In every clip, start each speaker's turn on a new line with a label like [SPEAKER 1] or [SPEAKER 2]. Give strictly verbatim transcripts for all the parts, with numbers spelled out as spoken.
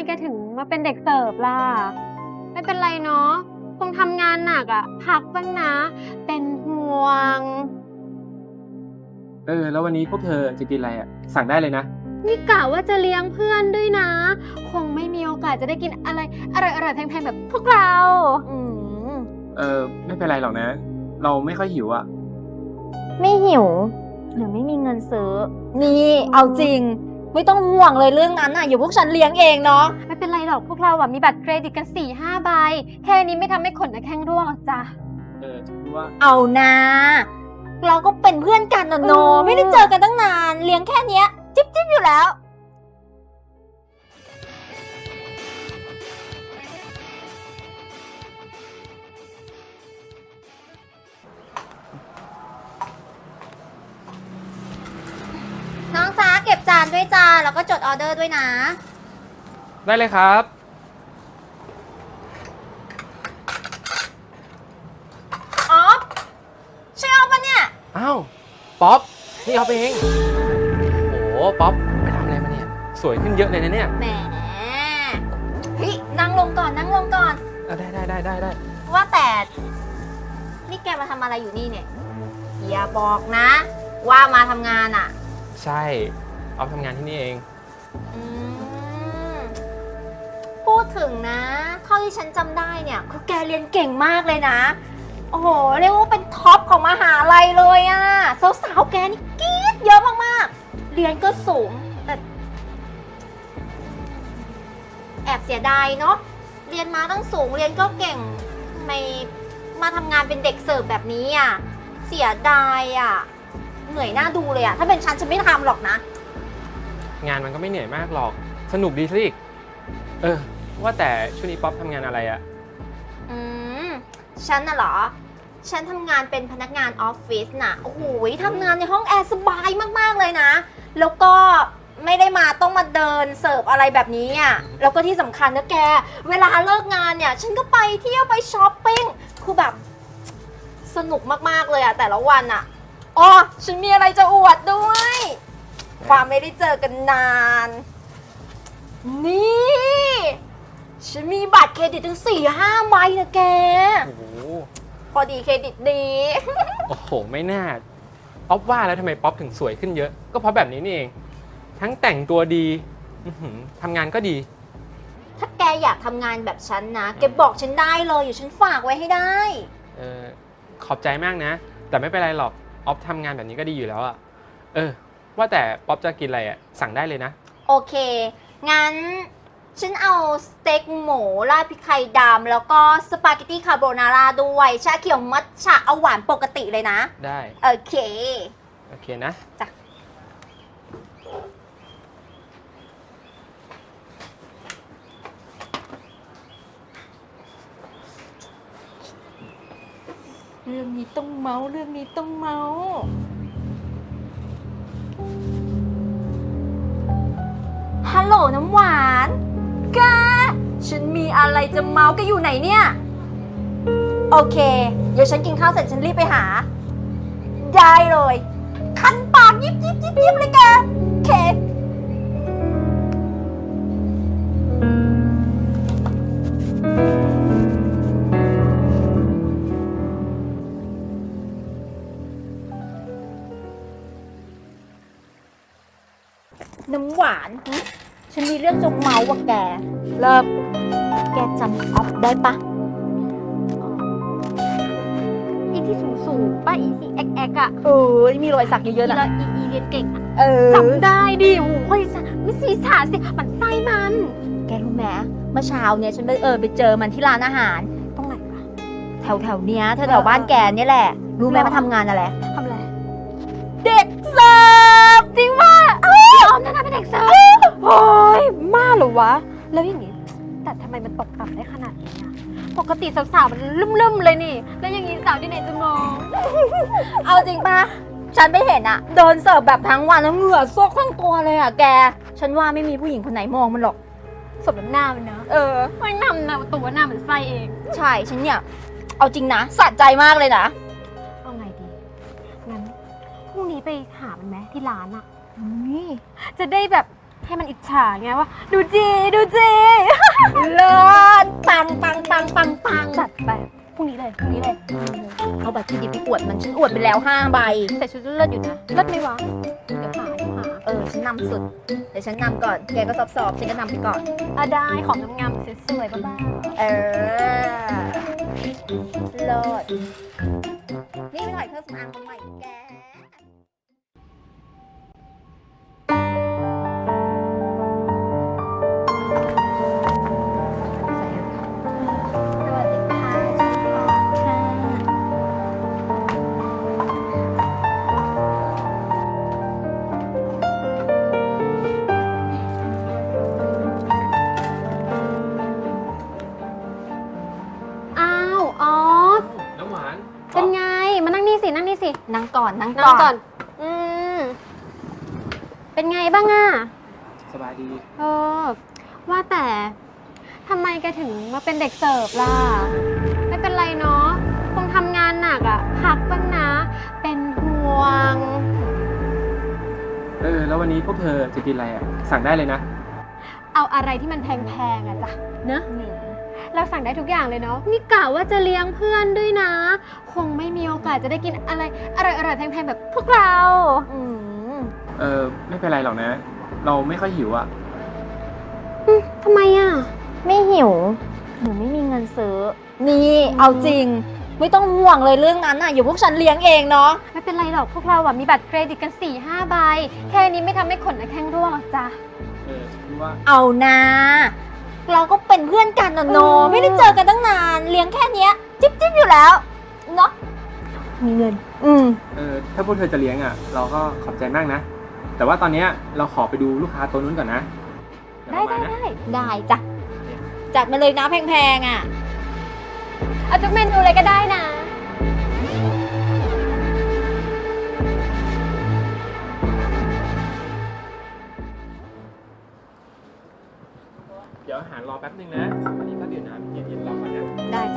[SPEAKER 1] แกถึงมาเป็นเด็กเสิร์ฟล่ะไม่เป็นไรเนาะคงทำงานหนักอะพักบ้างนะ เป็นห่วง
[SPEAKER 2] เออแล้ววันนี้พวกเธอจะกินอะไรอ่ะสั่งได้เลยนะ
[SPEAKER 1] นี่กะว่าจะเลี้ยงเพื่อนด้วยนะ คงไม่มีโอกาสจะได้กินอะไรอร่อยๆแพงๆแบบพวกเรา อืม
[SPEAKER 2] เออไม่เป็นไรหรอกนะ เราไม่ค่อยหิวอ่ะ
[SPEAKER 3] ไม่หิวหรือไม่มีเงินซื้อ นี่เอาจริง ไม่ต้องห่วงเลยเรื่องนั้นน่ะอยู่พวกฉันเลี้ยงเองเนาะ
[SPEAKER 1] ไม่เป็นไรหรอกพวกเราอะมีบัตรเครดิตกันสี่ห้าใบ แค่นี้ไม่ทำให้ขนนะแข้งร่วงหรอกจ้ะ
[SPEAKER 2] เออคือว่า
[SPEAKER 3] เอานะเราก็เป็นเพื่อนกันนะโน
[SPEAKER 1] อืม
[SPEAKER 3] ไม่ได้เจอกันตั้งนานเลี้ยงแค่เนี้ย จิ๊บจิ๊บอยู่แล้ว น้องจ้าเก็บจานด้วยจ้าแล้วก็จดออเดอร์ด้วยนะ
[SPEAKER 2] ได้เลยครับ
[SPEAKER 3] อ๋อใช่เอาปะเนี่ย
[SPEAKER 2] อ้าวป๊อปนี่เอาไปเองโอ้โหป๊อปไปทำอะไรมาเนี่ยสวยขึ้นเยอะเลยนะเนี่ย
[SPEAKER 3] แหมเฮ้ยนั่งลงก่อนนั่งลงก่อน
[SPEAKER 2] เออได้ได้ได้ได้ได้
[SPEAKER 3] ว่าแต่ นี่แกมาทำอะไรอยู่นี่เนี่ยอย่าบอกนะ ว่ามาทำงานอ่ะ
[SPEAKER 2] ใช่เอาทำงานที่นี่เอง
[SPEAKER 3] อืมพูดถึงนะเท่าที่ฉันจำได้เนี่ยคือแกเรียนเก่งมากเลยนะ โอ้โห เรียกว่าเป็นท็อปของมหาลัยเลยอะสาวๆแกนี่กรี๊ดเยอะมากๆ เรียนก็สูงแต่แอบเสียดายเนาะเรียนมาตั้งสูงเรียนก็เก่งทำไมมาทำงานเป็นเด็กเสิร์ฟแบบนี้อะเสียดายอะเหนื่อยหน้าดูเลยอะถ้าเป็นฉันฉันไม่ทำหรอกนะ
[SPEAKER 2] งานมันก็ไม่เหนื่อยมากหรอกสนุกดีซะอีกเออว่าแต่ช่วงนี้ป๊อปทำงานอะไรอะ
[SPEAKER 3] อืม ฉันน่ะเหรอ ฉันทำงานเป็นพนักงานออฟฟิศน่ะ โอ้โหทำงานในห้องแอร์สบายมากๆเลยนะ แล้วก็ไม่ได้มาต้องมาเดินเสิร์ฟอะไรแบบนี้อ่ะ แล้วก็ที่สำคัญนะแก เวลาเลิกงานเนี่ย ฉันก็ไปเที่ยวไปช้อปปิ้ง คือแบบสนุกมากๆเลยอ่ะแต่ละวันอ่ะอ๋อฉันมีอะไรจะอวดด้วย ความไม่ได้เจอกันนาน นี่ ฉันมีบัตรเครดิตถึงสี่ห้าใบนะแก
[SPEAKER 2] โอ้โห
[SPEAKER 3] พอดีเครดิตดี
[SPEAKER 2] โอ้โหไม่น่าป๊อปว่าแล้วทำไมป๊อปถึงสวยขึ้นเยอะก็เพราะแบบนี้นี่เองทั้งแต่งตัวดีอื้อหือทำงานก็ดี
[SPEAKER 3] ถ้าแกอยากทำงานแบบฉันนะ แกบอกฉันได้เลยอยู่ฉันฝากไว้ให้ได้
[SPEAKER 2] เออขอบใจมากนะ แต่ไม่เป็นไรหรอกออฟทำงานแบบนี้ก็ดีอยู่แล้วอะเออว่าแต่ป๊อปจะกินอะไรอะสั่งได้เลยนะ
[SPEAKER 3] โอเค งั้น ฉันเอาสเต็กหมูราดพริกไทยดำแล้วก็สปาเกตตี้คาโบนาร่าด้วย ชาเขียวมัทฉะเอาหวานปกติเลยนะ
[SPEAKER 2] ได้
[SPEAKER 3] โอเค
[SPEAKER 2] โอเคนะ
[SPEAKER 3] จ้ะ เรื่องนี้ต้องเมาเรื่องนี้ต้องเมาฮัลโหลน้ำหวานแกฉันมีอะไรจะเมาแกอยู่ไหนเนี่ย โอเค เดี๋ยวฉันกินข้าวเสร็จฉันรีบไปหา ได้เลย คันปากยิบยิบยิบยิบเลยแกโอเค น้ำหวานหึฉันมีเรื่องจะเมาว่ะแก เลิกแกจำออฟได้ปะ
[SPEAKER 1] อีที่สูงสูงๆป้าอีที่แอกแอกอะ
[SPEAKER 3] เออมีรอยสักเยอะๆ
[SPEAKER 1] แล้
[SPEAKER 3] นะ
[SPEAKER 1] วอีอีเรียนเก่งอะ
[SPEAKER 3] เออ
[SPEAKER 1] จำได้ดิโอ้โหคนอีสานไม่สีสานสิมันไส้มัน
[SPEAKER 3] แกรู้ไหมเมื่อเช้าเนี่ยฉันไปเออไปเจอมันที่ร้านอาหาร
[SPEAKER 1] ตรงไหนวะ
[SPEAKER 3] แถวแถวๆเนี้ยแถวแถวๆบ้านแกเนี่ยแหละ รู้ไหม
[SPEAKER 1] หรอ
[SPEAKER 3] มาทำงานอะไร
[SPEAKER 1] ทำอะไร
[SPEAKER 3] เด็กเสิร์ฟจริงป่ะ
[SPEAKER 1] พี่ออมนั่นน่ะเป็นเด็กเสิร์ฟโอ้ยมาเหรอวะ แล้วอย่างงี้ แต่ทำไมมันตกต่ำได้ขนาดนี้อะปกติสาวๆมันลุ่มๆเลยนี่ แล้วอย่างงี้สาวที่ไหนจะมอง
[SPEAKER 3] เอาจริงป่ะ ฉันไปเห็นอะเดินเสิร์ฟแบบทั้งวันแล้วเหงื่อซกทั้งตัวเลยอะแก ฉันว่าไม่มีผู้หญิงคนไหนมองมันหรอก
[SPEAKER 1] สมน้ำหน้ามันเนอะ
[SPEAKER 3] เออ
[SPEAKER 1] ไม่นำนะตัวหน้าเหมือนไส้เอง
[SPEAKER 3] ใช่ฉันเนี่ย เอาจริงนะสะใจมากเลยนะ
[SPEAKER 1] เอาไงดี งั้นพรุ่งนี้ไปหามันไหมที่ร้านอะ
[SPEAKER 3] นี่
[SPEAKER 1] จะได้แบบให้มันอิจฉาไงว่า ดูจีดูจี
[SPEAKER 3] เลิศปังปังปังปังปัง
[SPEAKER 1] จัดไปพรุ่งนี้เลยพรุ่งนี้เลย
[SPEAKER 3] เอาบัตรเครดิตไปอวดมันฉันอวดไปแล้วห้าใบ
[SPEAKER 1] ใส่ชุดเลิศอยู่นะเลิศไหมวะเดี๋ยวหาเดี๋ยวหา
[SPEAKER 3] เออฉันนำสุดเดี๋ยวฉันนำก่อนแกก็สอบสอบฉันก็นำไปก่อน
[SPEAKER 1] อ่ะได้ของงามๆสวยๆบ้า
[SPEAKER 3] เออเลิศนี่ไปถ่ายเครื่องสำอางมาใหม่แก
[SPEAKER 1] ๆสวัสดีค่ะ อ้าวออฟ
[SPEAKER 2] น้ำหวาน
[SPEAKER 1] เป็นไง มานั่งนี่สิ นั่งนี่สิ
[SPEAKER 3] นั่งก่อนนั่ง
[SPEAKER 1] นั่งก่อน อืม เป็นไงบ้างอะ
[SPEAKER 2] สบายดี
[SPEAKER 1] เออ ว่าแต่ทำไมแกถึงมาเป็นเด็กเสิร์ฟล่ะ ไม่เป็นไรเนาะ คงทำงานหนักอะพักบ้างนะ เป็นห่วง
[SPEAKER 2] เออ แล้ววันนี้พวกเธอจะกินอะไรอ่ะ สั่งได้เลยนะ
[SPEAKER 1] เอาอะไรที่มันแพงๆอะจ้ะเนอะเราสั่งได้ทุกอย่างเลยเนาะ นี่กะว่าจะเลี้ยงเพื่อนด้วยนะ คงไม่มีโอกาสจะได้กินอะไรอร่อยๆแพงๆแบบพวกเรา
[SPEAKER 3] อืม
[SPEAKER 2] เออ ไม่เป็นไรหรอกนะ เราไม่ค่อยหิวอ่ะ
[SPEAKER 1] ทำไมอะ
[SPEAKER 3] ไม่หิวหนูไม่มีเงินซื้อ นี่เอาจริง ไม่ต้องห่วงเลยเรื่องนั้นน่ะอยู่พวกฉันเลี้ยงเองเนาะ
[SPEAKER 1] ไม่เป็นไรหรอกพวกเราอะมีบัตรเครดิตกัน4ี่ห้าใบ แค่นี้ไม่ทำให้ขนหน้าแข้งร่วงหรอกจ้ะ
[SPEAKER 2] เออคือว่า
[SPEAKER 3] เอานะเราก็เป็นเพื่อนกันนะโน
[SPEAKER 1] เออ
[SPEAKER 3] ไม่ได้เจอกันตั้งนานเลี้ยงแค่เนี้ย จิ๊บจิ๊บอยู่แล้วเนาะ
[SPEAKER 1] มีเงิน
[SPEAKER 3] อืม
[SPEAKER 2] เออ ถ้าพวกเธอจะเลี้ยงอ่ะ เราก็ขอบใจมากนะ แต่ว่าตอนเนี้ยเราขอไปดูลูกค้าตัวนู้นก่อนนะเยว
[SPEAKER 1] ได้
[SPEAKER 2] เรามา
[SPEAKER 1] ได้
[SPEAKER 2] นะ
[SPEAKER 1] ได้
[SPEAKER 3] ได้จ้ะจัดมาเลยนะแพงๆอ่ะ
[SPEAKER 1] เอาทุกเมนูเลยก็ได้นะ
[SPEAKER 2] เดี๋ยวอาหารรอแป๊บนึงนะ อันนี้ก็เดี๋ยวน้ำเย็นๆรอก่อนนะ
[SPEAKER 3] ได้จ้ะ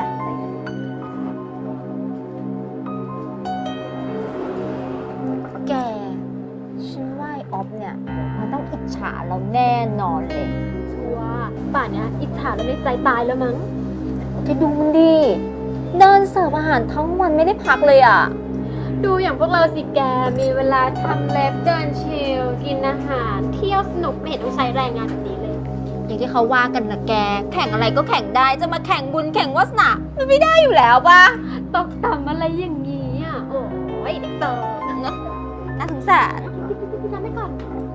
[SPEAKER 3] แกฉันว่าไอ้ออฟเนี่ยมันต้องอิจฉาเราแน่นอนเลย
[SPEAKER 1] ชัวร์ป่านเนี้ยอิจฉาแล้วในใจตายแล้วมั้ง
[SPEAKER 3] แกดูมันดิเดินเสิร์ฟอาหารทั้งวันไม่ได้พักเลยอ่ะ
[SPEAKER 1] ดูอย่างพวกเราสิแก มีเวลาทำเล็บเดินชิล กินอาหาร เที่ยวสนุกไม่เห็นต้องใช้แรงงานแบบนี้เลย
[SPEAKER 3] อย่างที่เขาว่ากันนะแก แข่งอะไรก็แข่งได้ จะมาแข่งบุญแข่งวาสนามันไม่ได้อยู่แล้วป่ะ
[SPEAKER 1] ตกต่ำอะไรอย่างนี้อ่ะ โอ้ยเด็กเตอร์
[SPEAKER 3] เนอะน่าสงสาร
[SPEAKER 1] พี่น้ำไปก่อน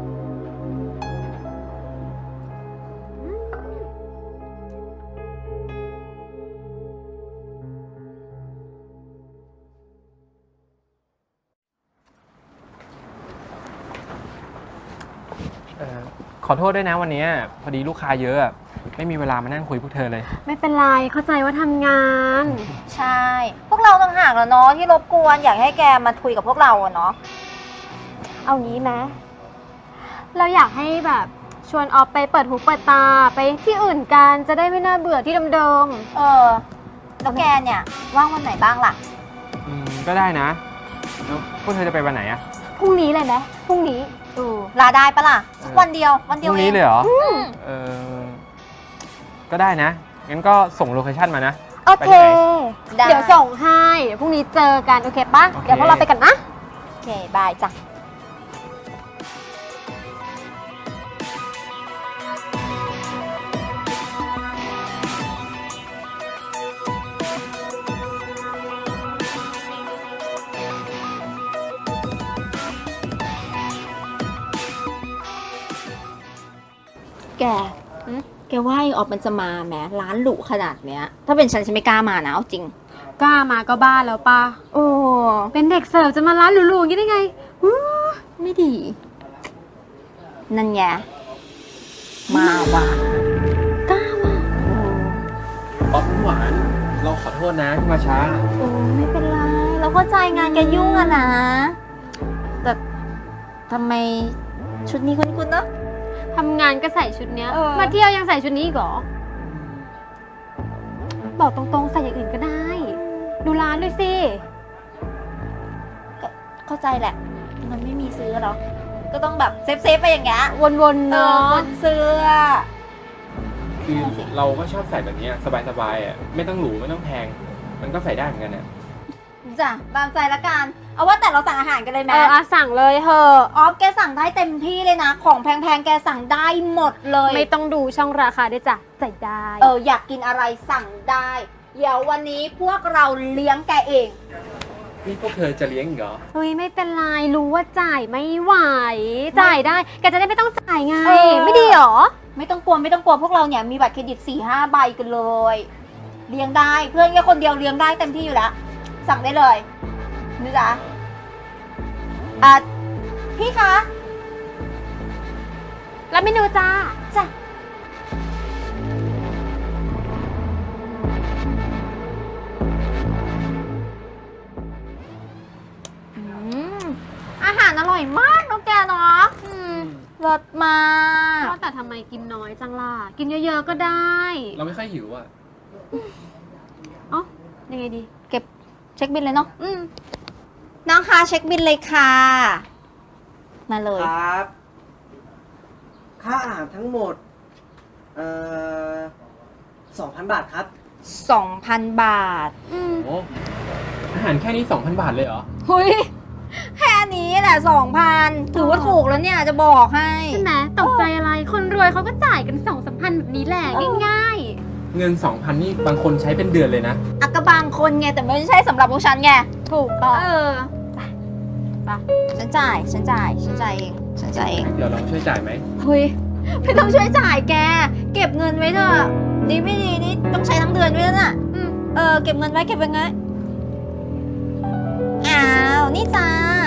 [SPEAKER 2] เออขอโทษด้วยนะวันนี้พอดีลูกค้าเยอะอะไม่มีเวลามานั่งคุยพวกเธอเลย
[SPEAKER 1] ไม่เป็นไร เข้าใจว่าทำงาน
[SPEAKER 3] ใช่ พวกเราต่างหากแล้วเนาะที่รบกวนอยากให้แกมาคุยกับพวกเราอะเนาะ
[SPEAKER 1] เอางี้ไหมเราอยากให้แบบชวนออฟไปเปิดหูเปิดตาไปที่อื่นกันจะได้ไม่น่าเบื่อที่เดิม
[SPEAKER 3] เออ แล้วแกเนี่ยว่างวันไหนบ้างล่ะ
[SPEAKER 2] อืม ก็ได้นะ แล้วพวกเธอจะไปวันไหนอะ
[SPEAKER 1] ๆพรุ่งนี้เลยไหมพรุ่งนี้
[SPEAKER 3] เออ ลาได้ปะล่ะสักวันเดียว วัน
[SPEAKER 2] พ
[SPEAKER 3] เดียว
[SPEAKER 2] รุ่ง
[SPEAKER 3] เอ
[SPEAKER 2] นี้
[SPEAKER 3] ง
[SPEAKER 2] เลยเหรอ
[SPEAKER 3] อืม
[SPEAKER 2] เออ ก็ได้นะ งั้นก็ส่งโลเคชั่นมานะ
[SPEAKER 3] โอเค ได้
[SPEAKER 1] เดี๋ยวส่งให้เดี๋ยวพรุ่งนี้เจอกัน โอเคปะ
[SPEAKER 2] โอเค
[SPEAKER 1] เดี๋ยวพวกเราไปกันนะ
[SPEAKER 3] โอเค บายจ้ะ แก
[SPEAKER 1] หืม
[SPEAKER 3] แกว่าไอ้ออกมันจะมาแหมร้านหรูขนาดเนี้ย ถ้าเป็นฉันฉันไม่กล้ามานะเอาจริง
[SPEAKER 1] กล้ามาก็บ้าแล้วปะ
[SPEAKER 3] โอ้
[SPEAKER 1] เป็นเด็กเสิร์ฟจะมาร้านหรูๆอย่างนี้ได้ไงอู้
[SPEAKER 3] ไม่ดี นั่นไงมาว่ะกล้าว่ะ
[SPEAKER 2] ป๊อปหวาน เราขอโทษนะที่มาช้า
[SPEAKER 3] โอ้ไม่เป็นไร เราเข้าใจงานแกยุ่งอะนะ แต่ทำไมชุดนี้คุ้นๆเนอะ
[SPEAKER 1] ทำงานก็ใส่ชุดเนี้ย
[SPEAKER 3] เออ
[SPEAKER 1] มาเที่ยวยังใส่ชุดนี้อีกเหรอ บอกตรงๆใส่อย่างอื่นก็ได้ ดูร้านด้วยสิ
[SPEAKER 3] ก็เข้าใจแหละ มันไม่มีซื้อหรอกก็ต้องแบบเซฟๆไปอย่างเงี้ย
[SPEAKER 1] วนๆ
[SPEAKER 3] เอ
[SPEAKER 1] เนาะ
[SPEAKER 3] อเสื้อ
[SPEAKER 2] คือคือเราก็ชอบใส่แบบนี้สบายๆอ่ะไม่ต้องหรูไม่ต้องแพง มันก็ใส่ได้เหมือนกันนะ
[SPEAKER 3] จ้ะตามใจละกัน เอาว่าแต่เราสั่งอาหารกันเลยไหม
[SPEAKER 1] เอออะสั่งเลยเถอะ
[SPEAKER 3] ออฟแกสั่งได้เต็มที่เลยนะ ของแพงๆแกสั่งได้หมดเลย
[SPEAKER 1] ไม่ต้องดูช่องราคาด้วยจ้ะใส่ได้
[SPEAKER 3] เอออยากกินอะไรสั่งได้ เดี๋ยววันนี้พวกเราเลี้ยงแกเอง
[SPEAKER 2] นี่พวกเธอจะเลี้ยงอีกเหรอ
[SPEAKER 1] เฮ้ยไม่เป็นไรรู้ว่าจ่ายไม่ไหว จ่ายได้แกจะได้ไม่ต้องจ่ายไง
[SPEAKER 3] เออ
[SPEAKER 1] ไม่ดีหรอ
[SPEAKER 3] ไม่ต้องกลัวไม่ต้องกลัวพวกเราเนี่ยมีบัตรเครดิต สี่ห้า ใบกันเลย เลี้ยงได้เพื่อนแค่คนเดียวเลี้ยงได้เต็มที่อยู่แล้ว สั่งได้เลยนี่จ้ะอ่ะพี่คะ
[SPEAKER 1] แล้วเมนูจ้า
[SPEAKER 3] จ้ะ อืมอาหารอร่อยมากน้องแกเนาะ
[SPEAKER 1] อืม
[SPEAKER 3] รสมาก
[SPEAKER 1] ว่าแต่ทำไมกินน้อยจังล่ะ กินเยอะๆก็ได้
[SPEAKER 2] เราไม่ค่อยหิวอ่ะ
[SPEAKER 1] เอ๋อยังไงดี
[SPEAKER 3] เก็บเช็คบินเลยเนาะ
[SPEAKER 1] อืม
[SPEAKER 3] น้องคะเช็คบินเลยค่ะ มาเลย
[SPEAKER 4] ครับ ค่าอาหารทั้งหมด เอ่อสองพันบาทครับ
[SPEAKER 3] สองพัน บาท
[SPEAKER 1] อืม
[SPEAKER 2] โอ้อาหารแค่นี้สองพันบาทเลยเหรอ
[SPEAKER 3] หุยแค่นี้แหละสองพันถือว่าถูกแล้วเนี่ยจะบอกให้
[SPEAKER 1] ใช่ไหมตกใจอะไร คนรวยเขาก็จ่ายกันสองสามพันแบบนี้แหละ
[SPEAKER 3] เออ
[SPEAKER 1] ง่าย
[SPEAKER 2] เงินสองพันนี่บางคนใช้เป็นเดือนเลยนะ
[SPEAKER 3] อักกะบางคนไงแต่ไม่ใช่สำหรับพวกฉันไง
[SPEAKER 1] ๆ ถูกต้อง
[SPEAKER 3] เออ
[SPEAKER 1] ไป
[SPEAKER 3] ฉันจ่ายฉันจ่ายฉันจ่ายเองฉันจ่ายเอง
[SPEAKER 2] เดี๋ยวเราช่วยจ่ายไหม
[SPEAKER 3] เฮ้ยไม่ต้องช่วยจ่ายแก เก็บเงินไว้เถอะดีไม่ดีนี่ต้องใช้ทั้งเดือนด้วยนะ
[SPEAKER 1] อืม
[SPEAKER 3] เออเก็บเงินไว้เก็บไว้ไงอ้าวนี่จ้า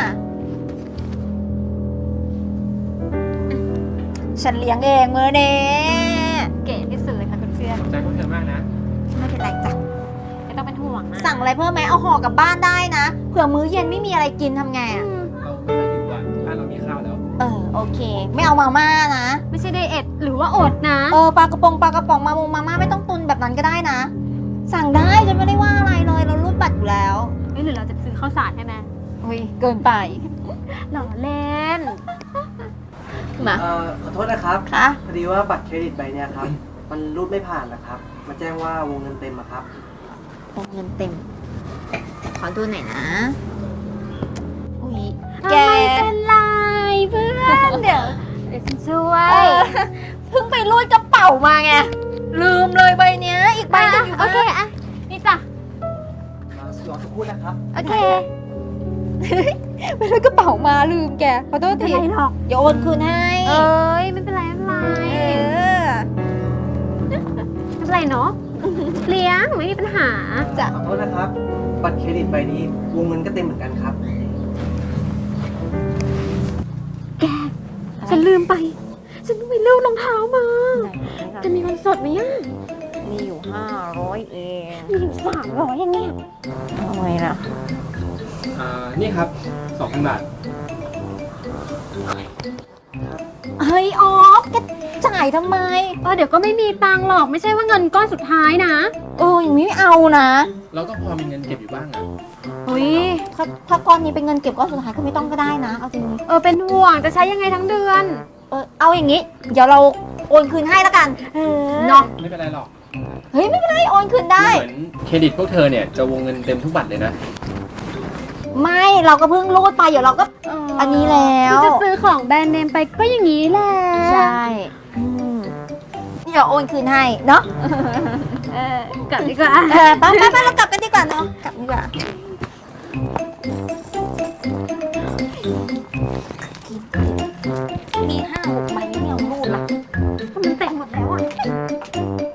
[SPEAKER 3] ฉันเลี้ยงเองมือเด้
[SPEAKER 1] เก๋ที่สุดเลยค่ะเพื่อน
[SPEAKER 2] ขอบใจพวกเธอมากนะ
[SPEAKER 3] ไม่เป็นไรจ้ะ
[SPEAKER 1] ๆไม่ต้องเป็นห่วงนะ
[SPEAKER 3] สั่งอะไรเพิ่มไหมเอาห่อกลับบ้านได้นะเผื่อมื้อเย็นไม่มีอะไรกินทำไง
[SPEAKER 1] อื
[SPEAKER 3] อ่ะ
[SPEAKER 1] ม
[SPEAKER 2] เราไม่ค่อยหิวอ่ะบ้านเรามีข้าวแล้ว
[SPEAKER 3] เออโอเค ไม่เอามาม่านะ
[SPEAKER 1] ไม่ใช่ไดเอทหรือว่าอดนะ
[SPEAKER 3] เออปลากระป๋องปลากระป๋องมามงมาม่าไม่ต้องตุนแบบนั้นก็ได้นะ สั่งได้ฉันไม่ได้ว่าอะไรเลยเรารูดบัตรอยู่แล้ว
[SPEAKER 1] ไม่หรือเราจะซื้อข้าวสารใช่ไหม
[SPEAKER 3] อุ้ยเกินไป
[SPEAKER 1] หล่อเล่น
[SPEAKER 3] มา
[SPEAKER 4] เอ่อ ขอโทษนะครับ
[SPEAKER 3] ค่ะ
[SPEAKER 4] พอดีว่าบัตรเครดิตใบเนี้ยครับ มันรูดไม่ผ่านนะครับ มาแจ้งว่าวงเงินเต็มอะครับ
[SPEAKER 3] วงเงินเต็ม ขอดูหน่อยนะ อุ้ย
[SPEAKER 1] แกไม่เป็นไรเพื่อนเดี๋ยวเดี๋ยวฉันช่ว
[SPEAKER 3] เอย อเพิ่งไปรูดกระเป๋ามาไง ลืมเลยใบเนี้ย อีกใบหนึงอยู่
[SPEAKER 1] โอเคอะนี่จ้ะ
[SPEAKER 4] รอสักครู่นะครับ
[SPEAKER 1] โอเค
[SPEAKER 3] ไปรูดกระเป๋ามาลืมแก ขอโทษ
[SPEAKER 1] ไม่เป็น
[SPEAKER 3] ที
[SPEAKER 1] ไรหรอก
[SPEAKER 3] เดี๋ยวโอนคืนให้
[SPEAKER 1] เอ้ยไม่เป็นไรไม่เป็นไร
[SPEAKER 3] เออ
[SPEAKER 1] ไม่เป็นไรเนาะเลี้ยงไม่มีปัญหา
[SPEAKER 3] จ้ะ
[SPEAKER 4] ขอโทษนะครับ บัตรเครดิตใบนี้วงเงินก็เต็มเหมือนกันครับ
[SPEAKER 1] แก ฉันลืมไป ฉันต้องไปเลือกรองเท้ามา จะมีเงินสดไหมอ่ะ
[SPEAKER 3] มีอยู่ห้าร้อยเอง
[SPEAKER 1] มีอยู่สามร้อยอย่างเนี้ย
[SPEAKER 3] ทำไมล่ะ
[SPEAKER 2] อ่า นี่ครับสองพันบาท
[SPEAKER 3] เฮ้ยออฟแกจ่ายทำไม
[SPEAKER 1] เออเดี๋ยวก็ไม่มีตังค์หรอกไม่ใช่ว่าเงินก้อนสุดท้ายนะ
[SPEAKER 3] เอออย่างนี้ไม่เอานะ
[SPEAKER 2] เราก็พอมีเงินเก็บอยู่บ้างอ่ะ
[SPEAKER 1] อุ้ย
[SPEAKER 3] ถ้าถ้าก้อนนี้เป็นเงินเก็บก้อนสุดท้ายก็ไม่ต้องก็ได้นะ เอาจริง
[SPEAKER 1] เออเป็นห่วงจะใช้ยังไงทั้งเดือน
[SPEAKER 3] เออเอาอย่างนี้ เดี๋ยวเราโอนคืนให้แล้วกัน
[SPEAKER 1] เออ
[SPEAKER 3] เนาะ
[SPEAKER 2] ไม่เป็นไรหรอก
[SPEAKER 3] เฮ้ยไม่เป็นไรโอนคืนได้
[SPEAKER 2] เหมือนเครดิตพวกเธอเนี่ยจะวงเงินเต็มทุกบัตรเลยนะ
[SPEAKER 3] ไม่เราก็เพิ่งรูดไปเดี๋ยวเราก็ อันนี้แล้ว
[SPEAKER 1] ที่จะซื้อของแบรนด์เนมไปก็อย่างนี้แหละ
[SPEAKER 3] ใช่อืมเดี๋ยวโอนคืนให้เนาะ
[SPEAKER 1] เออกลับดีกว่า
[SPEAKER 3] เออไปไปไปเรากลับกันดีกว่าเนาะกลับดีกว่ามีห้าหกใบไม่เอารูดละ
[SPEAKER 1] มันเต็มหมดแล้วอ่ะ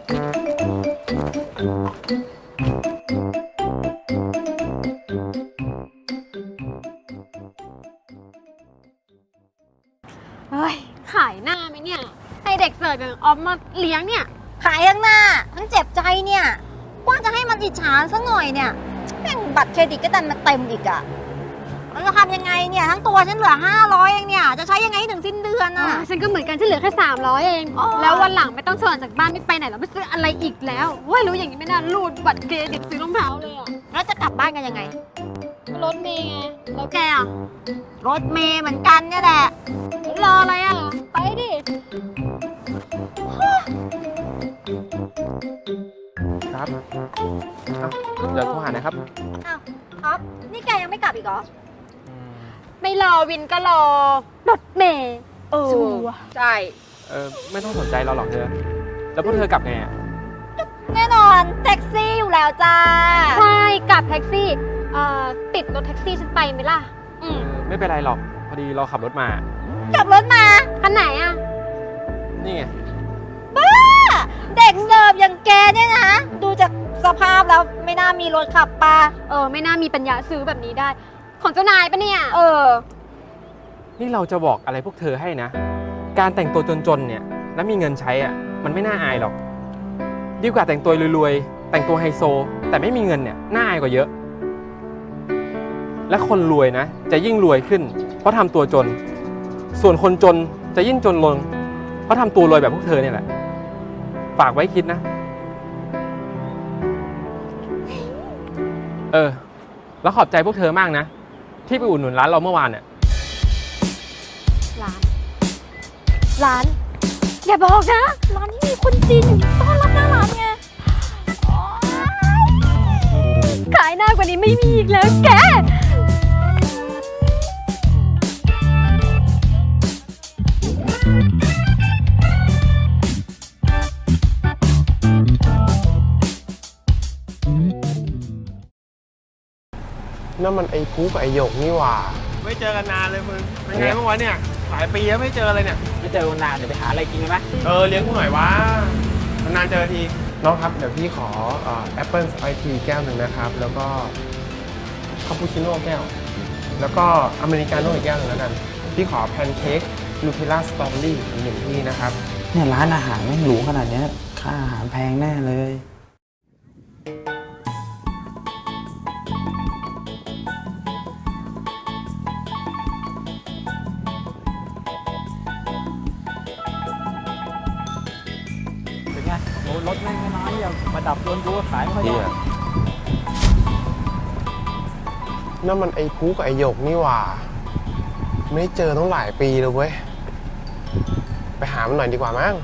[SPEAKER 1] เฮ้ยขายหน้าไหมเนี่ยให้เด็กเสิร์ฟอย่างออฟมาเลี้ยงเนี่ย
[SPEAKER 3] ขายทั้งหน้า ทั้งเจ็บใจเนี่ยว่าจะให้มันอิจฉาซะหน่อยเนี่ยแม่งบัตรเครดิตก็ดันมาเต็มอีกอะเราจะทำยังไงเนี่ย ทั้งตัวฉันเหลือห้าร้อยเองเนี่ย จะใช้ยังไงให้ถึงสิ้นเดือน
[SPEAKER 1] อ๋
[SPEAKER 3] อะ
[SPEAKER 1] อฉันก็เหมือนกันฉันเหลือแค่สามร้อยเอง
[SPEAKER 3] อ๋อ
[SPEAKER 1] แล้ววันหลังไม่ต้องชวนจากบ้านไม่ไปไหนแล้วไม่ซื้ออะไรอีกแล้วเว้ยรู้อย่างนี้ไม่น่ารูดบัตรเครดิตซื้อรองเท้าเลยอ่ะ
[SPEAKER 3] แล้วจะกลับบ้านกันยังไง
[SPEAKER 1] รถเมย์ไงแล้วแกอ่ะ
[SPEAKER 3] รถเมย์เหมือนกันเนี่ยแหละ
[SPEAKER 1] รออะไรอ่ะ ไปดิ
[SPEAKER 2] ครับอ่ะเดี๋ยวโทรหานะครับ
[SPEAKER 3] อ้าวออฟนี่แกยังไม่กลับอีกเหรอ
[SPEAKER 1] ไม่รอวินก็รอรถเมย์
[SPEAKER 3] เออ
[SPEAKER 1] ชัวร์
[SPEAKER 3] ใช่
[SPEAKER 2] เออไม่ต้องสนใจเราหรอกเธอ แล้วพวกเธอกลับไงอ่ะ
[SPEAKER 3] แน่นอนแท็กซี่อยู่แล้วจ้า
[SPEAKER 1] ใช่กลับแท็กซี่เอ่อติดรถแท็กซี่ฉันไปไหมล่ะ อื
[SPEAKER 2] เอ
[SPEAKER 1] ม
[SPEAKER 2] อไม่เป็นไรหรอก พอดีเราขับรถมา
[SPEAKER 3] ขับรถมา
[SPEAKER 1] คันไหนอ่ะ
[SPEAKER 2] นี่ไง
[SPEAKER 3] บ้า เด็กเสิร์ฟอย่างแกเนี่ยนะ ดูจากสภาพแล้วไม่น่ามีรถขับปะ
[SPEAKER 1] เออ ไม่น่ามีปัญญาซื้อแบบนี้ได้ ของเจ้านายปะเนี่ย
[SPEAKER 3] เออ
[SPEAKER 2] นี่เราจะบอกอะไรพวกเธอให้นะ การแต่งตัวจนๆ เนี่ย แล้วมีเงินใช้อ่ะ มันไม่น่าอายหรอก ดีกว่าแต่งตัวรวยๆ แต่งตัวไฮโซ แต่ไม่มีเงินเนี่ย น่าอายกว่าเยอะ และคนรวยนะ จะยิ่งรวยขึ้น เพราะทำตัวจน ส่วนคนจนจะยิ่งจนลง เพราะทำตัวรวยแบบพวกเธอเนี่ยแหละ ฝากไว้คิดนะ เออ แล้วขอบใจพวกเธอมากนะ ที่ไปอุดหนุนร้านเราเมื่อวานเนี่ย
[SPEAKER 1] ร้าน ร้าน อย่าบอกนะ ร้านที่มีคนจีนอยู่ต้อนรับหน้าร้านไงโอ๊ยขายหน้ากว่านี้ไม่มีอีกแล้วแก
[SPEAKER 5] นั่นมันไอ้พุกับไอ้หยกนี่หว่า
[SPEAKER 2] ไม่เจอกันนานเลยมึง เป็นไงบ้างวะเนี่ย หลายปีแล้วไม่เจอเลยเนี่ย
[SPEAKER 6] ไม่เจอกันนานเดี๋ยวไปหาอะไรกินกันไหม
[SPEAKER 2] เออเลี้ยงกูหน่อยวะนานๆเจอที
[SPEAKER 5] น้องครับ เดี๋ยวพี่ขอแอปเปิลไอทีแก้วหนึ่งนะครับ แล้วก็คาปูชิโน่แก้ว แล้วก็อเมริกาโน่อีกแก้วหนึ่งแล้วกัน พี่ขอแพนเค้กนูเทลล่าสตรอเบอรี่อีกหนึ่งที่นะครับ
[SPEAKER 6] เนี่ยร้านอาหารแม่งหรูขนาดเนี้ยค่าอาหารแพงแน่เลย เป็นไงโอ้รถแม่งไม่น้อยอย่างมาดับโดนกูก็ขายไม่ค่อยได้
[SPEAKER 5] นั่นมันไอ้พุกับไอ้หยกนี่หว่า ไม่ได้เจอต้องหลายปีเลยเว้ย ไปหามันหน่อยดีกว่ามั้ง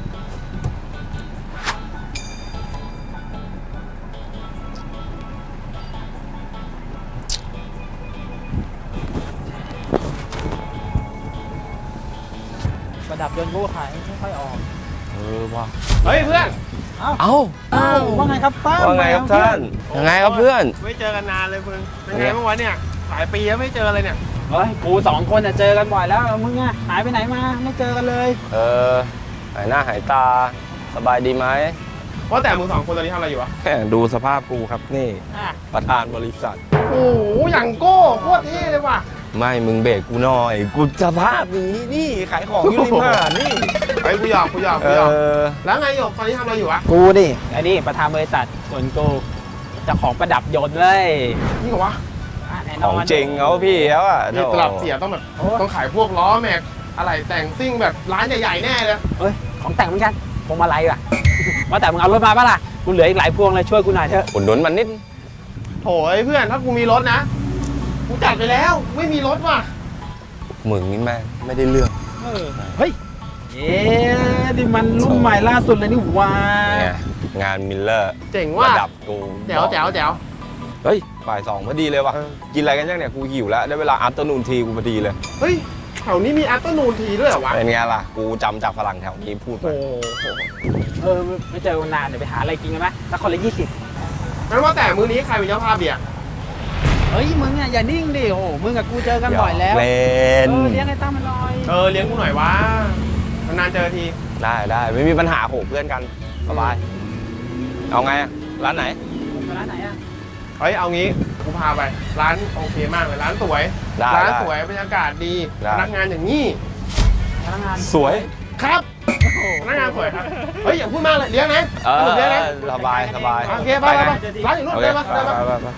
[SPEAKER 6] ประดับโดนกูก็ขายไม่ค่อยออก
[SPEAKER 5] เออว่ะ
[SPEAKER 2] เฮ้ยเพื่อน
[SPEAKER 7] เอ้า
[SPEAKER 6] อ้าวว่าไงครับป้า
[SPEAKER 7] ว่าไงครับท่าน ยังไงครับเพื่อน
[SPEAKER 2] ไม่เจอกันนานเลยมึง เป็นไงบ้างวะเนี่ย หลายปีแล้วไม่เจอเลยเนี่ย
[SPEAKER 6] เฮ้ยกูสองคนน่ะเจอกันบ่อยแล้วมึงอะหายไปไหนมาไม่เจอกันเลย
[SPEAKER 7] เออ หายหน้าหายตา สบายดีไหม
[SPEAKER 2] ว่าแต่มึงสองคนตอนนี้ทำอะไรอยู่วะ
[SPEAKER 7] แค่ดูสภาพกูครับนี่
[SPEAKER 6] อ่ะ
[SPEAKER 7] ประธานบริษัท
[SPEAKER 2] โอ้โหอย่างโก้โคตรเท่เลยว่ะ
[SPEAKER 7] ไม่มึงเบรกกูหน่อย กูสภาพนี้นี่ขายของอยู่ริมหาดนี่
[SPEAKER 2] ไอ้กูหยอกกูหยอก
[SPEAKER 7] เอ
[SPEAKER 2] กูหยอก
[SPEAKER 7] อ
[SPEAKER 2] แล้วไงหยกตอนนี้ทำอะไรอยู่วะ
[SPEAKER 6] กูดิไอ้นี่ประธานบริษัทส่วนกูเจ้าของประดับยนต์เลย
[SPEAKER 2] นี่เหรอวะ
[SPEAKER 6] อ่ะแน่น
[SPEAKER 7] ข
[SPEAKER 6] อ
[SPEAKER 7] อง
[SPEAKER 6] น
[SPEAKER 7] จริงเขาพี่แล้วอ่ะ
[SPEAKER 2] นี่ตลับเสียต้องแบบ ต้องขายพวกล้อแม็ก อะไรแต่งซิ่งแบบร้านใหญ่ๆแน่เลย
[SPEAKER 6] เอ้ยของแต่งเหมือนกันพวงมาลัยว่ะ ว่าแต่มึงเอารถมาปะล่ะกูเหลืออีกหลายพวงเลยช่วยกูหน่อยเถอะ
[SPEAKER 7] อุดหนุนมันนิด
[SPEAKER 2] โถยเพื่อนถ้ากูมีรถนะ กูจัดไปแล้ว ไม่มีรถว่ะ
[SPEAKER 7] มึงนี่แม่งไม่ได้เรื่อง
[SPEAKER 6] เออเฮ้ยเอ๊ะนี่มันรุ่นใหม่ล่าสุดเลยนี่หว่า
[SPEAKER 7] เนี่ยงานมิลเลอร์
[SPEAKER 2] เจ๋งว่ะ
[SPEAKER 7] ระดับกู
[SPEAKER 2] แจ๋วแจ๋วแจ๋ว
[SPEAKER 7] เฮ้ยบ่ายสองพอดีเลยว่ะ
[SPEAKER 2] เออ
[SPEAKER 7] กินอะไรกันยังเนี่ยกูหิวแล้วได้เวลาอัพเตอร์นูนทีกูพอดีเลย
[SPEAKER 2] เฮ้ยแถวนี้มีอั t เตอร์นูนทีด้วยเหรอวะ
[SPEAKER 7] เป็นไงล่ะ กูจำจากฝรั่งแถวนี้พูด
[SPEAKER 2] โอ้
[SPEAKER 7] มา
[SPEAKER 2] โห
[SPEAKER 6] เออไม่เจอกันนานเดี๋ยวไปหาอะไรกินกันไหมสักคนละยี่สิบ
[SPEAKER 2] งั้นว่าแต่มื้อนี้ใครเป็นเจ้าภาพเบียร์
[SPEAKER 6] เฮ้ยมึงอ่ะอย่านิ่งดิโอ้โหมึงกับกูเจอกันบ่อยแล้ว
[SPEAKER 7] เล่
[SPEAKER 6] เอน อเลี้ยงไอ้ตั้มมันหน่อย
[SPEAKER 2] เออเลี้ยงกูหน่อยวะนานๆเจอที
[SPEAKER 7] ได้ได้ไม่มีปัญหาโหเพื่อนกันสบาย เอาไงอะร้านไหน
[SPEAKER 6] ร้านไหนอ่ะ
[SPEAKER 2] เฮ้ยเอางี้กูพาไป ร้านโอเคมากเลยร้านสวย
[SPEAKER 7] ได้
[SPEAKER 2] ร้าน
[SPEAKER 7] ได้
[SPEAKER 2] สวยบรรยากาศดี
[SPEAKER 7] ได้
[SPEAKER 2] พนักงานอย่างนี้
[SPEAKER 6] พนักงาน
[SPEAKER 7] สวย
[SPEAKER 2] ครับพนักงานสวยครับ เฮ้ยอย่าพูดมากเลยเลี้ยงนะ
[SPEAKER 7] เออ
[SPEAKER 2] สรุปเลี้ยงนะ
[SPEAKER 7] สบายสบาย
[SPEAKER 2] โอเคไปไปไปร้านอยู่นู่น
[SPEAKER 7] โอ
[SPEAKER 2] ไป
[SPEAKER 7] เค
[SPEAKER 2] ไป
[SPEAKER 7] ไป
[SPEAKER 2] ไป
[SPEAKER 7] ไป
[SPEAKER 2] ไป
[SPEAKER 7] ไป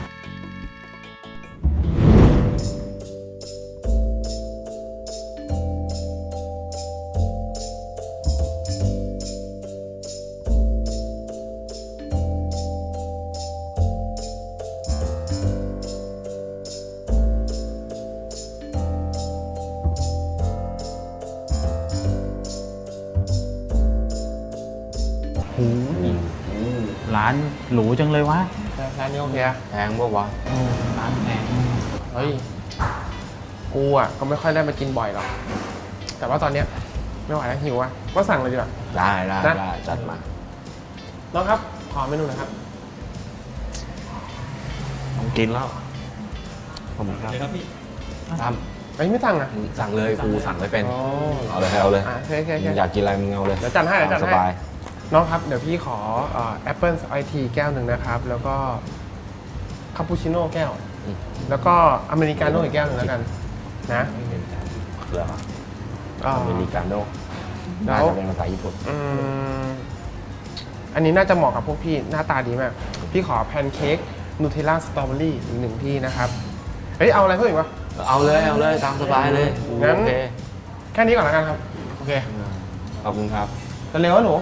[SPEAKER 7] โห
[SPEAKER 6] ร้านหรูจังเลยวะ
[SPEAKER 5] ร้านนี้โอเคอะ
[SPEAKER 7] แพงปะวะ
[SPEAKER 6] ร้านแพง
[SPEAKER 5] เฮ้ย กูอ่ะก็ไม่ค่อยได้มากินบ่อยหรอก แต่ว่าตอนเนี้ยไม่ไหวแล้วหิวอ่ะ ก็สั่งเลยดีกว่า
[SPEAKER 7] ได้ได้
[SPEAKER 5] นะ
[SPEAKER 7] ได้จัดมา
[SPEAKER 5] น้องครับ ขอเมนูหน่อยครับ
[SPEAKER 7] ต้องกินแล้วขอบคุณครับตาม
[SPEAKER 5] เฮ้ยไม่สั่งอ่ะ
[SPEAKER 7] สั่งเลยกูสั่งไม่เป็น
[SPEAKER 5] อ๋อ
[SPEAKER 7] เอาเลยเอาเลย
[SPEAKER 5] อ่ะโอเคโอเคโอเค
[SPEAKER 7] มึงอยากกินอะไรมึงเอาเลย
[SPEAKER 5] เดี๋ยวจัดให้เดี๋ยวจัดให้
[SPEAKER 7] สบาย
[SPEAKER 5] น้องครับ เดี๋ยวพี่ขอแอปเปิลไอทีแก้วหนึ่งนะครับ แล้วก็คาปูชิโน่แก้ว
[SPEAKER 7] อืม
[SPEAKER 5] แล้วก็อเมริกาโน่อีกแก้วหนึ่งแล้วกันนะ
[SPEAKER 7] เหรอ
[SPEAKER 5] อ่า
[SPEAKER 7] อเมริกาโน่
[SPEAKER 5] แล้
[SPEAKER 7] น่าว จะเป็นภาษาญี่ปุ่น
[SPEAKER 5] อืมอันนี้น่าจะเหมาะกับพวกพี่หน้าตาดีมาก พี่ขอแพนเค้กนูเทลล่าสตรอเบอรี่อีกหนึ่งที่นะครับ เฮ้ย เอาอะไรเพิ่มอีกวะ
[SPEAKER 7] เอาเลยเอาเลยตามสบายเลย
[SPEAKER 5] งั้น
[SPEAKER 7] โอเค
[SPEAKER 5] แค่นี้ก่อนแล้วกันครับ โอเค
[SPEAKER 7] ขอบคุณครับ
[SPEAKER 5] เร็วๆนะหนู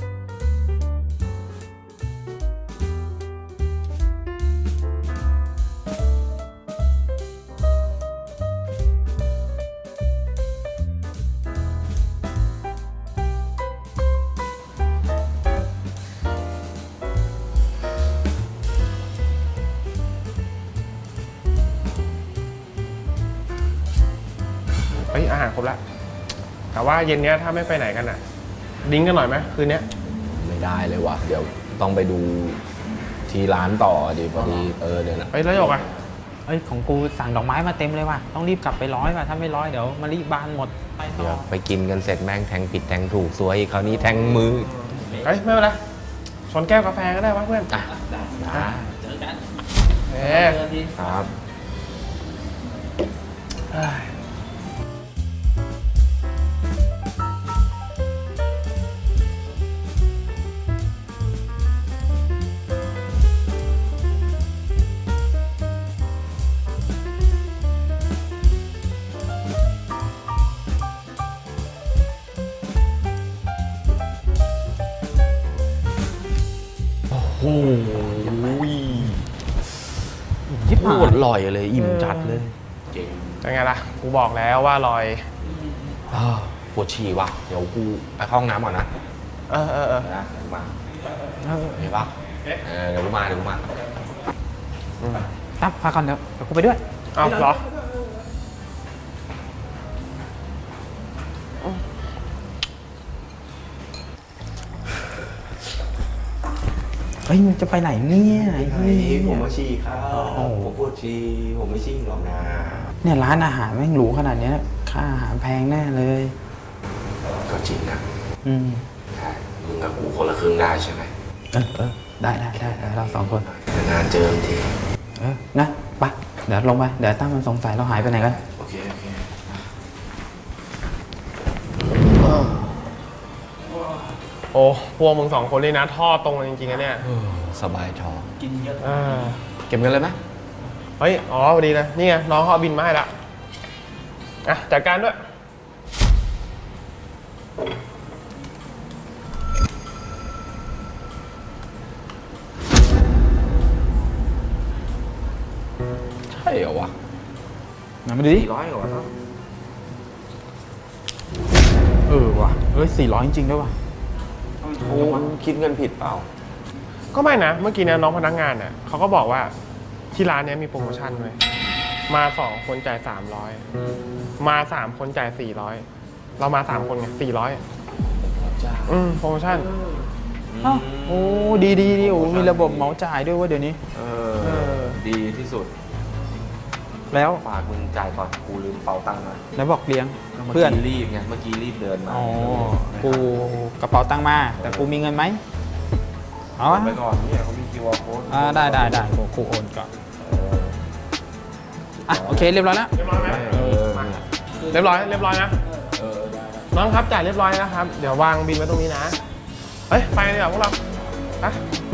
[SPEAKER 5] เฮ้ยอาหารครบแล้ว แต่ว่าเย็นเนี้ยถ้าไม่ไปไหนกันอ่ะ ดิ้งกันหน่อยไหมคืนเนี้ย
[SPEAKER 7] ไม่ได้เลยว่ะ เดี๋ยวต้องไปดูที่ร้านต่อดิพอดีเออเดี๋ยวนะ
[SPEAKER 5] เฮ้ยแล้วหยกอ่ะ
[SPEAKER 6] เอ้ยของกูสั่งดอกไม้มาเต็มเลยว่ะต้องรีบกลับไปร้อยว่ะถ้าไม่ร้อยเดี๋ยวมะลิบานหมดไปต่
[SPEAKER 7] เดี๋ยว
[SPEAKER 6] อ
[SPEAKER 7] ไปกินกันเสร็จแม่งแทงผิดแทงถูกสวยอีกคราวนี้แทงมือ
[SPEAKER 5] เฮ้ย ไม่เป็นไรชนแก้วกาแฟก็ได้วะเพื่อน
[SPEAKER 7] อ่ะได้
[SPEAKER 6] เจอกัน
[SPEAKER 5] เอ๊ะ
[SPEAKER 7] ครับ โอ้โห
[SPEAKER 6] ยิบ
[SPEAKER 7] โค
[SPEAKER 6] หา
[SPEAKER 7] ต
[SPEAKER 6] ย
[SPEAKER 7] รอร่อยเลยอิ่มจัดเลยเจ๋ง
[SPEAKER 5] เป็นไงล่ะ กูบอกแล้วว่าลอย
[SPEAKER 7] อ้าวปวดฉี่ว่ะ เดี๋ยวกูไปเข้าห้องน้ำก่อนนะ
[SPEAKER 5] เออเออเออ
[SPEAKER 7] นะเดี๋ยวกูมาเห็นปะเออเดี๋ยวกูมาเดี๋ยวกูมา
[SPEAKER 6] ตั้มพาก่อนเดี๋ยวเดี๋ยวกูไปด้วย
[SPEAKER 5] เอาเหรอ
[SPEAKER 6] เฮ้ยมึงจะไปไหนเนี่ยไอ้เหี้ย
[SPEAKER 7] ผมมาฉี่ครับผมปวดฉี่ผมไม่ฉี่หรอกนะ
[SPEAKER 6] เนี่ยร้านอาหารแม่งหรูขนาดเนี้ยค่าอาหารแพงแน่เลย
[SPEAKER 7] ก็จริงนะ
[SPEAKER 6] อืม
[SPEAKER 7] ได้มึงกับกูคนละครึ่งได้ใช่ไหม
[SPEAKER 6] เออเออได้ได้ได้ได้เราสองคน
[SPEAKER 7] นานๆเจอที
[SPEAKER 6] เออนะไปเดี๋ยวลงไปเดี๋ยวตั้มมันสงสัยเราหายไปไหนกัน
[SPEAKER 7] โอเคโอเค
[SPEAKER 5] โอ้พวกมึงสองคนนี่นะท่อตรงกันจริงๆนะเนี่ย
[SPEAKER 7] สบายท้อง
[SPEAKER 5] เออ
[SPEAKER 7] เก็บเงินเลยไหม
[SPEAKER 5] เฮ้ย อ๋อพอดีนะ นี่ไงน้องเขาเอาบินมาให้ละอ่ะจัดการด้วย
[SPEAKER 7] ใช่เหรอวะ
[SPEAKER 6] ไหนมาดูดิ
[SPEAKER 7] สี่ร้อยเหรอวะ
[SPEAKER 6] เออว่ะเอ้ยสี่ร้อยจริงๆด้วยว่ะ
[SPEAKER 7] โอ้คิดเงินผิดเปล่า
[SPEAKER 5] ก็ไม่นะ เมื่อกี้เนี่ยน้องพนักงานเนี่ยเขาก็บอกว่าที่ร้านเนี้ยมีโปรโมชั่นเลยมาสองคนจ่ายสามร้อยมาสามคนจ่ายสี่ร้อยเรามาสามคนไงสี่ร้อยอืมโปรโมชั่น
[SPEAKER 6] อ้าวโอ้ดีดีดีโอ้มีระบบเหมาจ่ายด้วยเว่าเดี๋ยวนี้
[SPEAKER 7] เอ
[SPEAKER 5] เออ
[SPEAKER 7] ดีที่สุด
[SPEAKER 6] แล้ว
[SPEAKER 7] ฝากมึงจ่ายก่อนกูลืมเป๋าตังค์มา
[SPEAKER 6] แล้วบอกเลี้ยง
[SPEAKER 7] เมื่อ
[SPEAKER 6] เพื่อน
[SPEAKER 7] กี้รีบไงเมื่อกี้รีบเดินมา
[SPEAKER 6] อ๋อกูกระเป๋าตังค์มา แต่กูมีเงินไหมเอาวะ
[SPEAKER 7] ไปก่อนเนี่ยเขามี คิว อาร์ code
[SPEAKER 6] อ่าได้ได้ได้กูกูโอนก่อนอ่ะโอเคเรียบร้อยแล้ว
[SPEAKER 5] เรียบร้อยไหม
[SPEAKER 7] เออ
[SPEAKER 5] มาเรียบร้อยเรียบร้อยนะ
[SPEAKER 7] เออได้
[SPEAKER 5] น้องครับจ่ายเรียบร้อยนะครับ เดี๋ยววางบินไว้ตรงนี้นะ เฮ้ย ไปกันดีกว่าพวกเราไป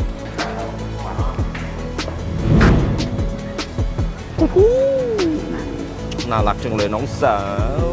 [SPEAKER 7] น่ารักจังเลยน้องสาว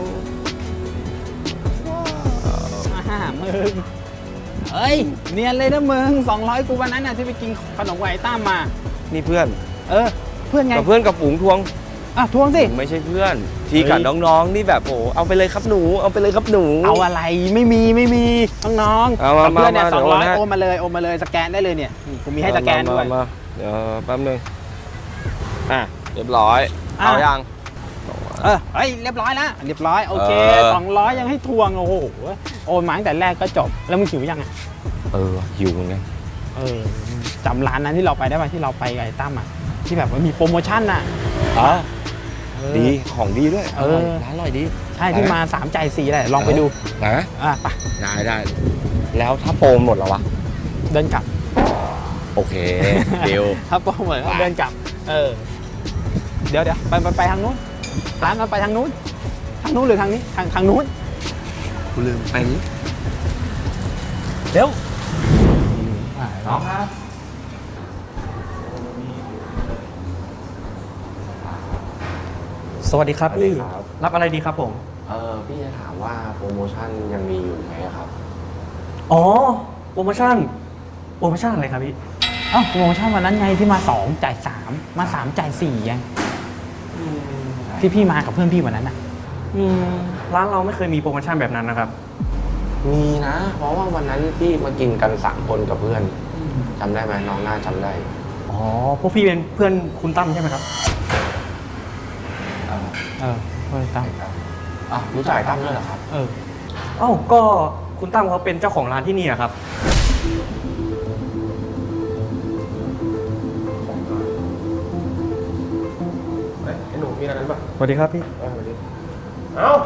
[SPEAKER 6] อ่ามึงเอ้ยเนียนเลยนะมึงสองร้อยกูวันนั้นน่ะที่ไปกินขนมไวต้ามมา
[SPEAKER 7] นี่เพื่อน
[SPEAKER 6] เออ เพื่อนไง
[SPEAKER 7] กับเพื่อนกับฝูงทวง
[SPEAKER 6] อ่ะทวงสิ
[SPEAKER 8] ผมไม่ใช่เพื่อน ทีกับน้องๆนี่แบบโอ้เอาไปเลยครับหนู เอาไปเลยครับหนู
[SPEAKER 6] เอาอะไรไม่มีไม่มีน้องๆ
[SPEAKER 8] เอามา
[SPEAKER 6] กับเพื่อนเนี่ย
[SPEAKER 8] มา
[SPEAKER 6] สองร้อย
[SPEAKER 8] เดี๋ยวโอนให้
[SPEAKER 6] โอนมาเลยโอนมาเลยสแกนได้เลยเนี่ยนี่ผมมีให้สแกนด้วย
[SPEAKER 8] มามาเดี๋ยวแป๊บนึงอ่ะเรียบร้อย
[SPEAKER 6] อ่ะ
[SPEAKER 8] เอายัง
[SPEAKER 6] เออเฮ้ยเรียบร้อยแล้วเรียบร้อยโอเค
[SPEAKER 8] เออ
[SPEAKER 6] สองร้อยยังให้ทวงโอ้โหโอนมาตั้งแต่แรกก็จบแล้วมึงหิวยังอ่ะ
[SPEAKER 8] เออหิวเหมือนกัน
[SPEAKER 6] เออจำร้านนั้นที่เราไปได้ไหมที่เราไปกับไอ้ตั้มอ่ะที่แบบว่ามีโปรโมชั่นน่ะ
[SPEAKER 8] อ๋อ
[SPEAKER 6] เออ
[SPEAKER 8] ดีของดีด้วย
[SPEAKER 6] เออ
[SPEAKER 8] ร้านอร่อยดี
[SPEAKER 6] ใช่ที่มาสามจ่ายสี่แหละลองไปดู
[SPEAKER 8] นะ
[SPEAKER 6] อ่ะไป
[SPEAKER 8] ได้ได้แล้วถ้าโปรหมดแล้ววะ
[SPEAKER 6] เดินกลับ
[SPEAKER 8] โอเคเดียว
[SPEAKER 6] ถ้าโปรเหมือนเดินกลับเออเดี๋ยวเดี๋ยวไปไปไปทางนู้นร้านมันไปทางนู้นทางนู้นหรือทางนี้ทางทางนู้น
[SPEAKER 8] กูลืมไปนี้
[SPEAKER 6] เร็ว
[SPEAKER 2] น้องครับ
[SPEAKER 9] สวัสดีครับพี่ รับอะไรดีครับผม
[SPEAKER 7] เออพี่จะถามว่าโปรโมชั่นยังมีอยู่ไหมครับ
[SPEAKER 9] อ๋อ โปรโมชั่น โปรโมชั่นอะไรครับพี่
[SPEAKER 6] เอ้าโปรโมชั่นวันนั้นไงที่มาสองจ่ายสามมาสามจ่ายสี่ยังที่พี่มากับเพื่อนพี่วันนั้นอ่ะ
[SPEAKER 9] อืม ร้านเราไม่เคยมีโปรโมชั่นแบบนั้นนะครับ
[SPEAKER 7] มีนะ เพราะว่าวันนั้นพี่มากินกันสามคนกับเพื่อนจำได้ไหมน้องน่าจำได้
[SPEAKER 9] อ๋อ พวกพี่เป็นเพื่อนคุณตั้มใช่ไหมครับ
[SPEAKER 6] เออเพื่อนตั้ม
[SPEAKER 7] อ่ะรู้จักไอ้ตั้มด้วยเหรอครับ
[SPEAKER 6] เออ
[SPEAKER 9] เอ้า ก็คุณตั้มเขาเป็นเจ้าของร้านที่นี่อะครับ
[SPEAKER 5] ไอ้หนูมีอะไรกันปะ
[SPEAKER 9] สวัสดีครับพี่
[SPEAKER 5] เอ้า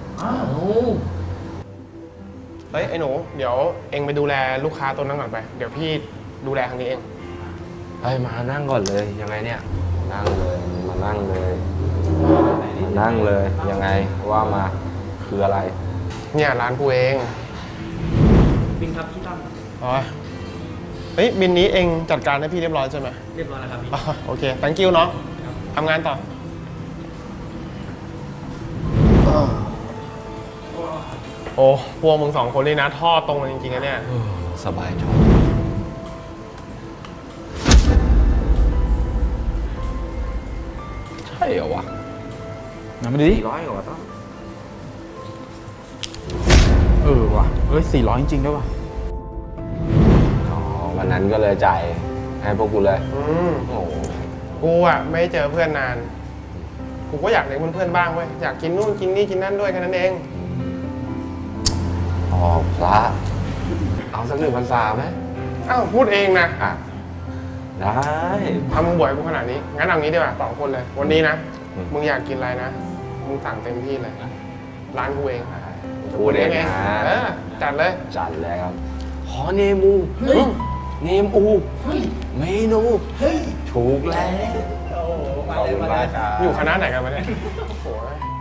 [SPEAKER 5] เฮ้ยไอ้หนูเดี๋ยวเองไปดูแลลูกค้าตัวนั้นก่อนไป เดี๋ยวพี่ดูแลทางนี้เอง
[SPEAKER 7] เฮ้ยมานั่งก่อนเลยยังไงเนี่ยนั่งเลยมานั่งเลยมานั่งเลยยังไงว่ามาคืออะไร
[SPEAKER 5] เนี่ยร้านกูเอง
[SPEAKER 9] บินครับพี่ตั้ม
[SPEAKER 5] อ๋อเฮ้ยบินนี้เองจัดการให้พี่เรียบร้อยใช่ไหม
[SPEAKER 9] เรียบร้อยแล้วครับพี่
[SPEAKER 5] อ๋อโอเค thank you เนาะทำงานต่อ โอ้พวกมึงสองคนนี่นะท่อตรงกันจริงๆนะเนี่ย
[SPEAKER 7] สบายท้องใช่เหรอวะ
[SPEAKER 6] มามาดูดิ
[SPEAKER 7] สี่ร้อยเหรอต้อง
[SPEAKER 6] เออว่ะเอ้ยสี่ร้อยจริงๆด้วยว่ะ
[SPEAKER 7] อ๋อวันนั้นก็เลยจ่ายให้พวกกูเลย
[SPEAKER 5] อืม
[SPEAKER 7] โอ้โห
[SPEAKER 5] กูอ่ะไม่ได้เจอเพื่อนนาน กูก็อยากเลี้ยงเพื่อนๆบ้างเว้ย อยากกินนู่นกินนี่กินนั่นด้วยแค่นั้นเอง
[SPEAKER 7] อ๋อพระเอาสักหนึ่งพรรษาไหม
[SPEAKER 5] อ้าวพูดเองนะ
[SPEAKER 7] อ่ะได้
[SPEAKER 5] ทำมึงบ่อยกูขนาดนี้ งั้นเอางี้ดีกว่าสองคนเลย วันนี้นะ
[SPEAKER 7] อืม
[SPEAKER 5] มึงอยากกินอะไรนะ มึงสั่งเต็มที่เลย ร้านกูเอง
[SPEAKER 7] พูดเองนะ
[SPEAKER 5] เออจัดเลย
[SPEAKER 7] จัดเลยครับ ขอเนมูเนมอูเมนูถูกแล้วขอบคุณมากครับ
[SPEAKER 5] อยู่คณะไหนกันมาเนี่ยโอ้โห